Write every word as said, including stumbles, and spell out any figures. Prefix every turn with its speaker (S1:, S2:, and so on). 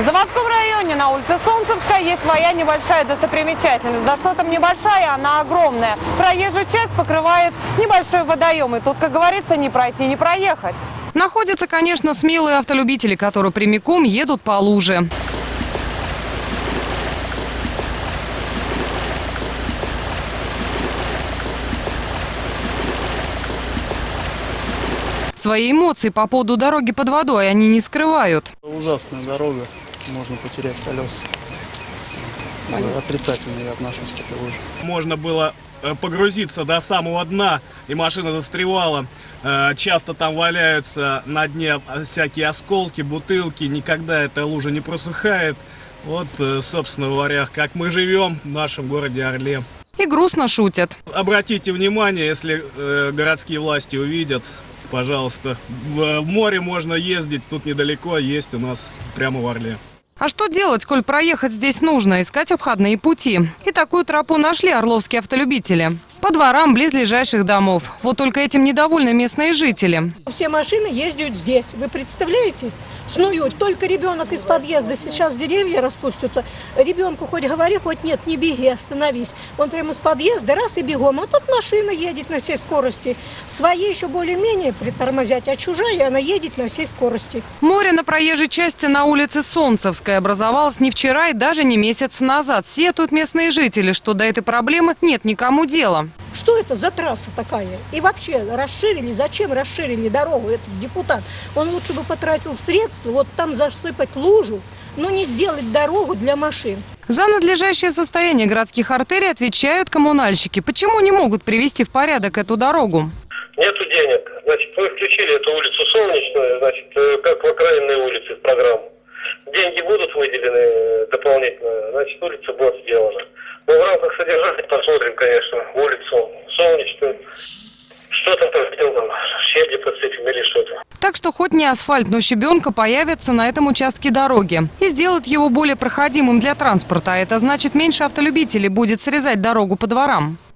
S1: В заводском районе на улице Солнцевская есть своя небольшая достопримечательность. Да что там небольшая, она огромная. Проезжую часть покрывает небольшой водоем. И тут, как говорится, не пройти, не проехать.
S2: Находятся, конечно, смелые автолюбители, которые прямиком едут по луже. Свои эмоции по поводу дороги под водой они не скрывают.
S3: Ужасная дорога, можно потерять колеса. Отрицательно я отношусь к этой луже.
S4: Можно было погрузиться до самого дна, и машина застревала. Часто там валяются на дне всякие осколки, бутылки. Никогда эта лужа не просыхает. Вот, собственно говоря, как мы живем в нашем городе Орле.
S2: И грустно шутят.
S4: Обратите внимание, если городские власти увидят, пожалуйста, в море можно ездить, тут недалеко есть у нас прямо в Орле.
S2: А что делать, коль проехать здесь нужно? Искать обходные пути. И такую тропу нашли орловские автолюбители. По дворам близлежащих домов. Вот только этим недовольны местные жители.
S5: Все машины ездят здесь. Вы представляете? Снуют. Только ребенок из подъезда. Сейчас деревья распустятся. Ребенку хоть говори, хоть нет, не беги, остановись. Он прямо из подъезда, раз и бегом. А тут машина едет на всей скорости. Свои еще более-менее притормозять, а чужая она едет на всей скорости.
S2: Море на проезжей части на улице Солнцевской образовалось не вчера и даже не месяц назад. Сетуют местные жители, что до этой проблемы нет никому дела.
S5: Что это за трасса такая? И вообще расширили, зачем расширили дорогу этот депутат? Он лучше бы потратил средства, вот там засыпать лужу, но не сделать дорогу для машин.
S2: За надлежащее состояние городских артерий отвечают коммунальщики. Почему не могут привести в порядок эту дорогу?
S6: Нету денег. Значит, вы включили эту улицу Солнечную, значит, как в окраинные улицы в программу. Деньги будут выделены дополнительно, значит, улица будет сделана. Но в рамках содержания посмотрим, конечно, улицу Солнечную. Что там сделано, щебни подсыпем или что-то.
S2: Так что хоть не асфальт, но щебенка появится на этом участке дороги. И сделает его более проходимым для транспорта. А это значит, меньше автолюбителей будет срезать дорогу по дворам.